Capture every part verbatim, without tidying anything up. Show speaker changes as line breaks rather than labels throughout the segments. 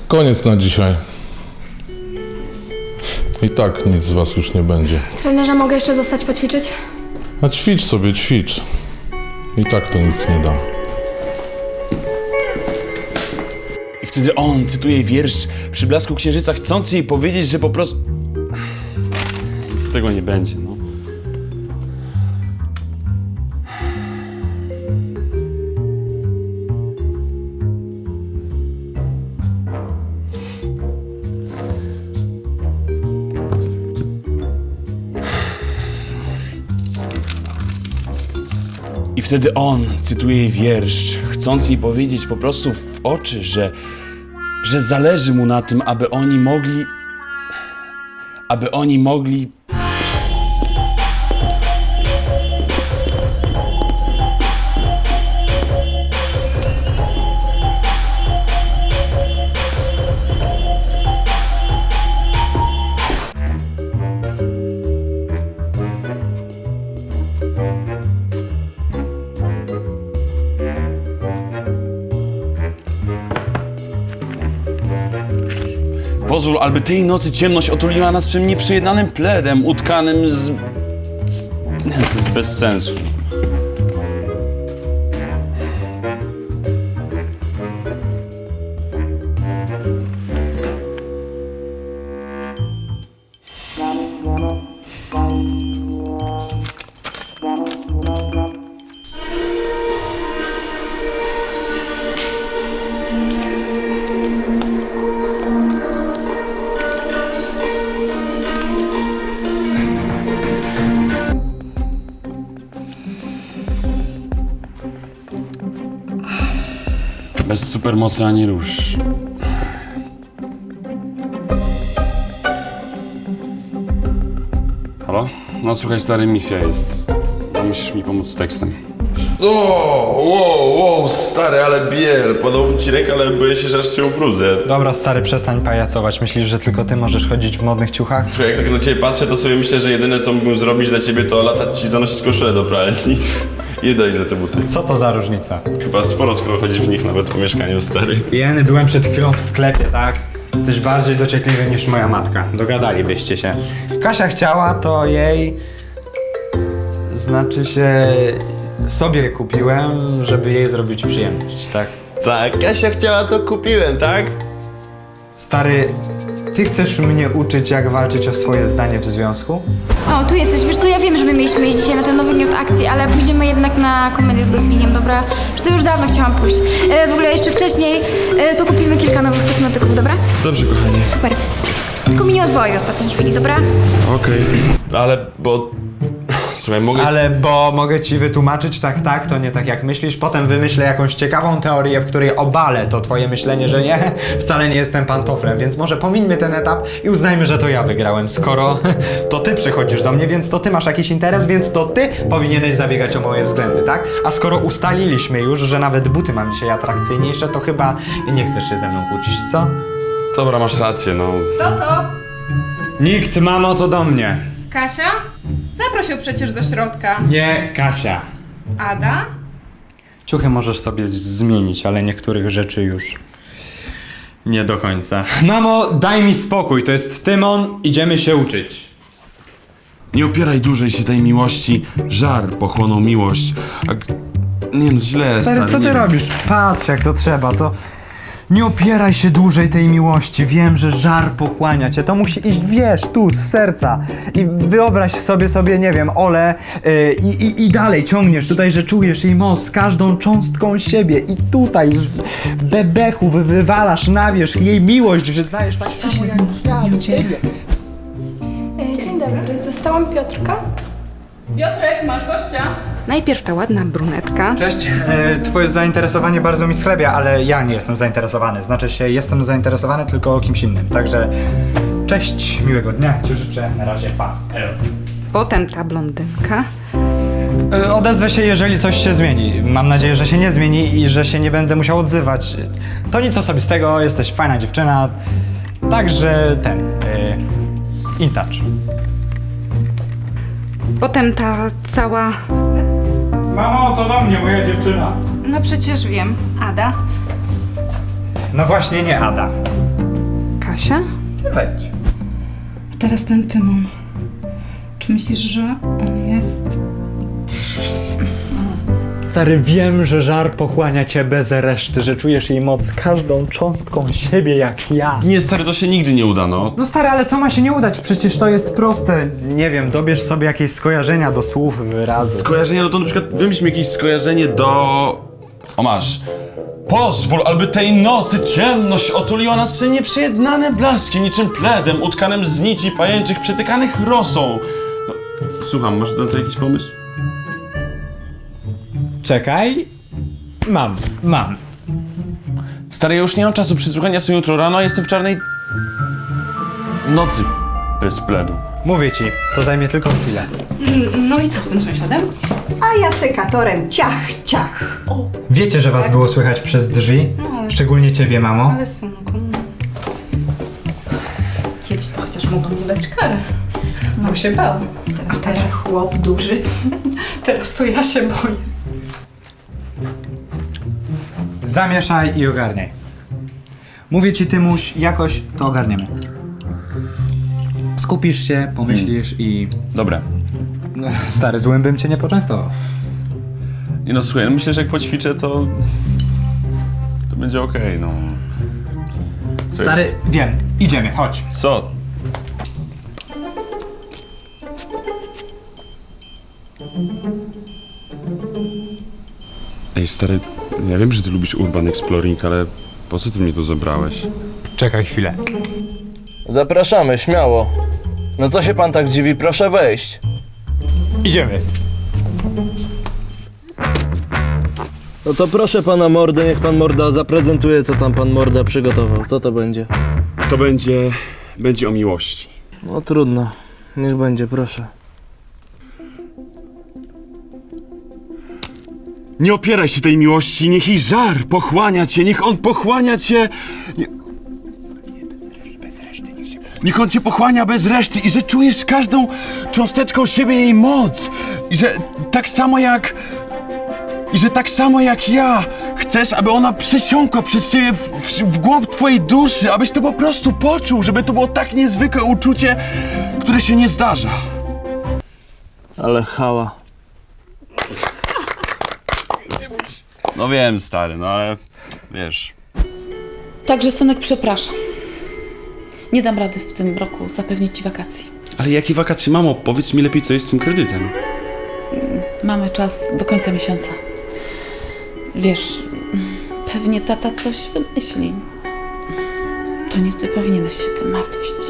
Koniec na dzisiaj. I tak nic z was już nie będzie.
Trenerze, mogę jeszcze zostać poćwiczyć?
A ćwicz sobie, ćwicz. I tak to nic nie da.
I wtedy on cytuje wiersz przy blasku księżyca, chcąc jej powiedzieć, że po prostu... Nic z tego nie będzie, no. I wtedy on cytuje jej wiersz, chcąc jej powiedzieć po prostu w oczy, że, że zależy mu na tym, aby oni mogli, aby oni mogli... Pozwól, aby tej nocy ciemność otuliła nas swym nieprzejednanym pledem, utkanym z... z... Nie, to jest bez sensu. Bez supermocy ani róż. Halo? No słuchaj, stary, misja jest. No, musisz mi pomóc z tekstem.
O, wow, wow, stary, ale biel. Podał ci rękę, ale boję się, że aż się ubrudzę.
Dobra, stary, przestań pajacować. Myślisz, że tylko ty możesz chodzić w modnych ciuchach?
Słuchaj, jak tak na ciebie patrzę, to sobie myślę, że jedyne, co mógłbym zrobić dla ciebie, to latać ci zanosić koszulę do pralni. I daj za te buty.
Co to za różnica?
Chyba sporo, skoro chodzisz w nich nawet po mieszkaniu, stary.
Jeny, byłem przed chwilą w sklepie, tak? Jesteś bardziej dociekliwy niż moja matka. Dogadalibyście się. Kasia chciała, to jej... Znaczy się... Sobie kupiłem, żeby jej zrobić przyjemność, tak?
Tak, Kasia chciała, to kupiłem, tak?
Stary, ty chcesz mnie uczyć, jak walczyć o swoje zdanie w związku?
O, tu jesteś. Wiesz co, ja wiem, że my mieliśmy iść dzisiaj na ten nowy miód akcji, ale pójdziemy jednak na komedię z Goslingiem, dobra? Wiesz co, już dawno chciałam pójść. E, w ogóle jeszcze wcześniej e, to kupimy kilka nowych kosmetyków, dobra?
Dobrze, kochanie.
Super. Tylko mi nie odwołaj w ostatniej chwili, dobra?
Okej. Ale, bo... Słuchaj, mogę...
Ale bo mogę ci wytłumaczyć, tak, tak, to nie tak jak myślisz. Potem wymyślę jakąś ciekawą teorię, w której obalę to twoje myślenie, że nie, wcale nie jestem pantoflem, więc może pomińmy ten etap i uznajmy, że to ja wygrałem. Skoro to ty przychodzisz do mnie, więc to ty masz jakiś interes, więc to ty powinieneś zabiegać o moje względy, tak? A skoro ustaliliśmy już, że nawet buty mam dzisiaj atrakcyjniejsze, to chyba nie chcesz się ze mną kłócić, co?
Dobra, masz rację, no.
Kto to?
Nikt, mamo, to do mnie.
Kasia? Zaprosił przecież do środka.
Nie, Kasia.
Ada?
Ciuchy możesz sobie z- zmienić, ale niektórych rzeczy już nie do końca. Mamo, daj mi spokój, to jest Tymon, idziemy się uczyć.
Nie opieraj dłużej się tej miłości. Żar pochłonął miłość. A... g- Nie no, źle, stary.
Stary, co ty
nie...
robisz? Patrz jak to trzeba, to... Nie opieraj się dłużej tej miłości, wiem, że żar pochłania cię, to musi iść, wiesz, tu, z serca. I wyobraź sobie, sobie, nie wiem, Olę yy, i, i, i dalej ciągniesz tutaj, że czujesz jej moc każdą cząstką siebie i tutaj z bebechu wy, wywalasz na wierzch jej miłość, wyznajesz tak samo jak ja do ciebie.
E, dzień dobry, zostałam Piotrka.
Piotrek, masz gościa?
Najpierw ta ładna brunetka.
Cześć, e, twoje zainteresowanie bardzo mi schlebia, ale ja nie jestem zainteresowany. Znaczy się, jestem zainteresowany tylko kimś innym. Także, cześć, miłego dnia, ci życzę, na razie, pa. Elo.
Potem ta blondynka.
E, Odezwę się, jeżeli coś się zmieni. Mam nadzieję, że się nie zmieni i że się nie będę musiał odzywać. To nic osobistego, jesteś fajna dziewczyna. Także ten, e, in touch.
Potem ta cała...
Mamo, to do mnie, moja dziewczyna.
No przecież wiem. Ada.
No właśnie nie Ada.
Kasia?
Wejdź.
Teraz ten Tymon. Czy myślisz, że on jest...
Stary, wiem, że żar pochłania cię bez reszty, że czujesz jej moc każdą cząstką siebie jak ja.
Nie, stary, to się nigdy nie uda, no.
No stary, ale co ma się nie udać? Przecież to jest proste. Nie wiem, dobierz sobie jakieś skojarzenia do słów, wyrazów.
Skojarzenie, no to na przykład wymyśl mi jakieś skojarzenie do... O, masz. Pozwól, aby tej nocy ciemność otuliła nas swym nieprzejednanym blaskiem, niczym pledem utkanym z nici pajęczych przetykanych rosą. No, słucham, masz na to jakiś pomysł?
Czekaj. Mam, mam.
Stary, ja już nie mam czasu przysłuchania sobie jutro rano, a jestem w czarnej... nocy bez pledu.
Mówię ci, to zajmie tylko chwilę.
No i co z tym sąsiadem?
A ja sekatorem ciach, ciach.
Wiecie, że was było słychać przez drzwi? Szczególnie ciebie, mamo.
Ale synku... no. Kiedyś to chociaż mogą mu dać karę. Bo się bał.
Teraz taki chłop duży.
Teraz to ja się boję.
Zamieszaj i ogarniaj. Mówię ci, Tymuś, jakoś to ogarniemy. Skupisz się, pomyślisz i...
Dobra.
No, stary, złym bym cię nie poczęstował.
I no słuchaj, no myślę, że jak poćwiczę, to... to będzie okej, no. Co
Stary,
jest?
wiem, idziemy, chodź.
Co?
Ej, stary, ja wiem, że ty lubisz urban exploring, ale po co ty mnie tu zabrałeś?
Czekaj chwilę.
Zapraszamy, śmiało. No co się pan tak dziwi? Proszę wejść.
Idziemy.
No to proszę pana mordę, niech pan morda zaprezentuje, co tam pan morda przygotował. Co to będzie?
To będzie... będzie o miłości.
No trudno. Niech będzie, proszę.
Nie opieraj się tej miłości, niech jej żar pochłania cię, niech on pochłania cię... Nie... Niech on cię pochłania bez reszty i że czujesz każdą cząsteczką siebie jej moc. I że tak samo jak... I że tak samo jak ja chcesz, aby ona przesiąkła przez ciebie w, w, w głąb twojej duszy, abyś to po prostu poczuł, żeby to było tak niezwykłe uczucie, które się nie zdarza.
Ale chała.
No wiem, stary, no ale... wiesz...
Także, synek, przepraszam. Nie dam rady w tym roku zapewnić ci wakacji.
Ale jakie wakacje, mamo? Powiedz mi lepiej, co jest z tym kredytem.
Mamy czas do końca miesiąca. Wiesz, pewnie tata coś wymyśli. To nie ty powinieneś się tym martwić.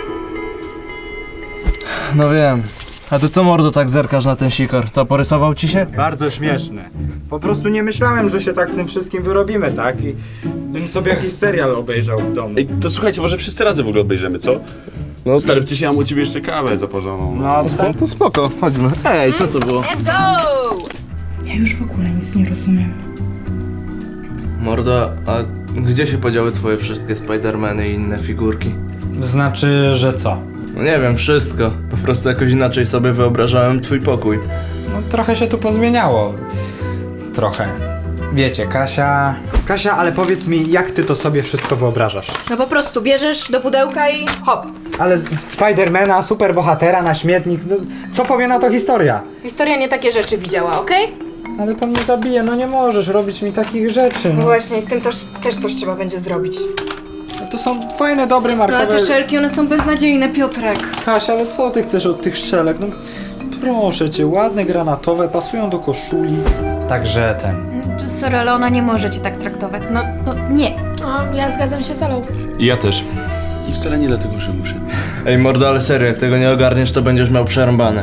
No wiem. A ty co mordo tak zerkasz na ten sikor? Co, porysował ci się?
Bardzo śmieszne. Po prostu nie myślałem, że się tak z tym wszystkim wyrobimy, tak? I bym sobie jakiś serial obejrzał w domu.
Ej, to słuchajcie, może wszyscy razem w ogóle obejrzymy, co?
No
Stary, przecież ja mam u ciebie jeszcze kawę zaporzoną.
No,
No to spoko, chodźmy. Ej, co to było?
Ja już w ogóle nic nie rozumiem.
Mordo, a gdzie się podziały twoje wszystkie Spidermany i inne figurki?
znaczy, że co?
No nie wiem, wszystko. Po prostu jakoś inaczej sobie wyobrażałem twój pokój.
No trochę się tu pozmieniało. Trochę. Wiecie, Kasia... Kasia, ale powiedz mi, jak ty to sobie wszystko wyobrażasz?
No po prostu bierzesz do pudełka i hop.
Ale Spidermana, superbohatera na śmietnik, no, co powie na to historia?
Historia nie takie rzeczy widziała, okej?
Ale to mnie zabije, no nie możesz robić mi takich rzeczy.
No
No.
właśnie, z tym też, też coś trzeba będzie zrobić.
To są fajne, dobre,
No ale
markowe...
te szelki, one są beznadziejne, Piotrek.
Kasia, ale co ty chcesz od tych szelek? No proszę cię, ładne, granatowe, pasują do koszuli. Także ten...
Sorry, ale ona nie może cię tak traktować. No, no nie.
O, ja zgadzam się z Alą.
I ja też. I wcale nie dlatego, że muszę.
Ej mordo, ale serio, jak tego nie ogarniesz, to będziesz miał przerąbane.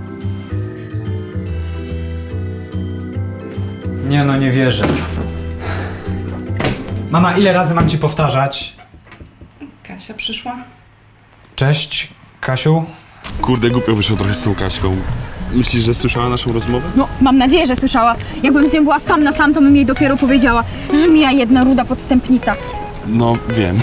Nie no, nie wierzę. Mama, ile razy mam ci powtarzać?
Kasia przyszła?
Cześć, Kasiu.
Kurde, głupio wyszło trochę z tą Kaśką. Myślisz, że słyszała naszą rozmowę?
No, mam nadzieję, że słyszała. Jakbym z nią była sam na sam, to bym jej dopiero powiedziała. Żmija jedna ruda podstępnica.
No, wiem.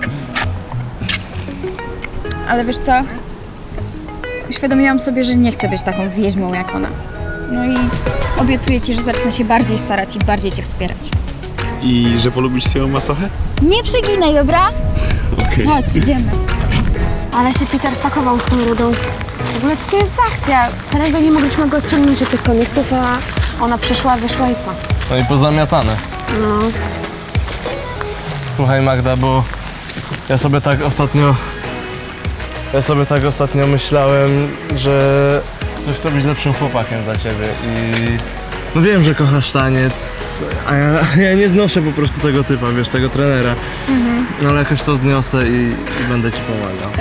Ale wiesz co? Uświadomiłam sobie, że nie chcę być taką wieźmą jak ona. No i obiecuję ci, że zacznę się bardziej starać i bardziej cię wspierać.
I że polubisz swoją macochę?
Nie przeginaj, dobra?
Okej.
Chodź, idziemy. Ale się Peter wpakował z tą rudą. W ogóle co to jest za akcja? Prędzej nie mogliśmy go odciągnąć od tych komiksów, a ona przyszła, wyszła i co?
No i pozamiatane.
No.
Słuchaj Magda, bo ja sobie tak ostatnio... Ja sobie tak ostatnio myślałem, że... że chcę być lepszym chłopakiem dla ciebie i... No wiem, że kochasz taniec, a ja, ja nie znoszę po prostu tego typa, wiesz, tego trenera. Mhm. No ale jakoś to zniosę i, i będę ci pomagał.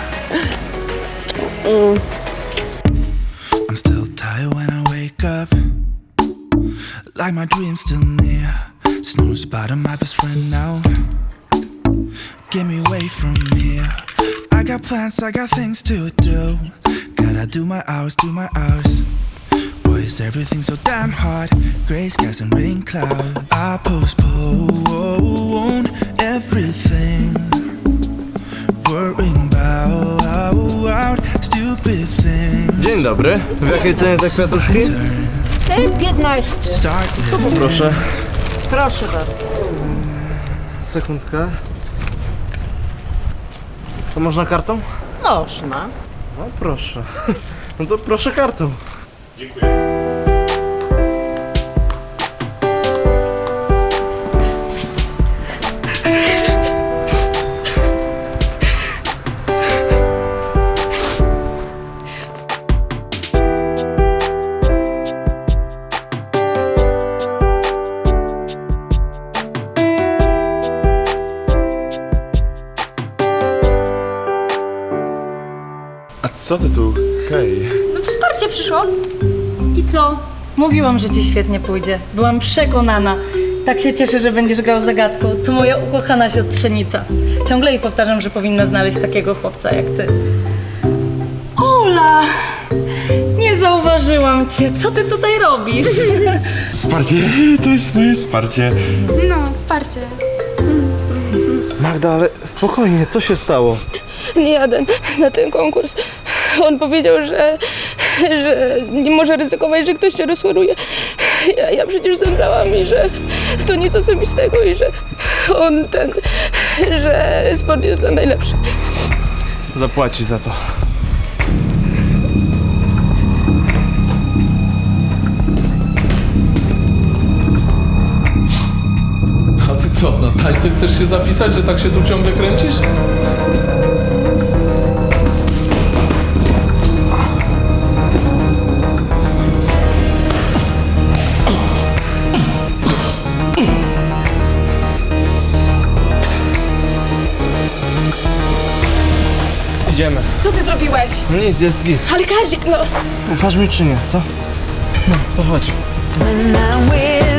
Mm.
I'm still tired when I wake up, like my dream's still near. Snooze bottom, my best friend now. Get me away from here. I got plans, I got things to do. Gotta do my hours, do my hours. Why is everything so damn hard? Gray skies and rain clouds. I postpone everything, worrying about stupid things.
Dzień dobry. W jakiej cenie te kwiatuszki?
piętnaście.
Start living.
Proszę.
Proszę bardzo.
Sekundkę. To można kartą?
Można.
No proszę. No to proszę kartą.
A co ty tu? Hej.
No wsparcie przyszło.
I co? Mówiłam, że ci świetnie pójdzie. Byłam przekonana. Tak się cieszę, że będziesz grał zagadką. To moja ukochana siostrzenica. Ciągle jej powtarzam, że powinna znaleźć takiego chłopca jak ty. Ola! Nie zauważyłam cię. Co ty tutaj robisz?
Wsparcie, to jest moje wsparcie.
No, wsparcie.
Magda, ale spokojnie, co się stało?
Nie jadę na ten konkurs. On powiedział, że, że nie może ryzykować, że ktoś cię rozchoruje. Ja, ja przecież zemdlałam i że to nic osobistego i że on ten, że sport jest dla najlepszych.
Zapłaci za to.
A ty co, na tańce chcesz się zapisać, że tak się tu ciągle kręcisz?
Idziemy.
Co ty zrobiłeś?
No nic, jest git.
Ale Kazik, no.
Ufasz mi czy nie, co? No, to chodź.
When I'm with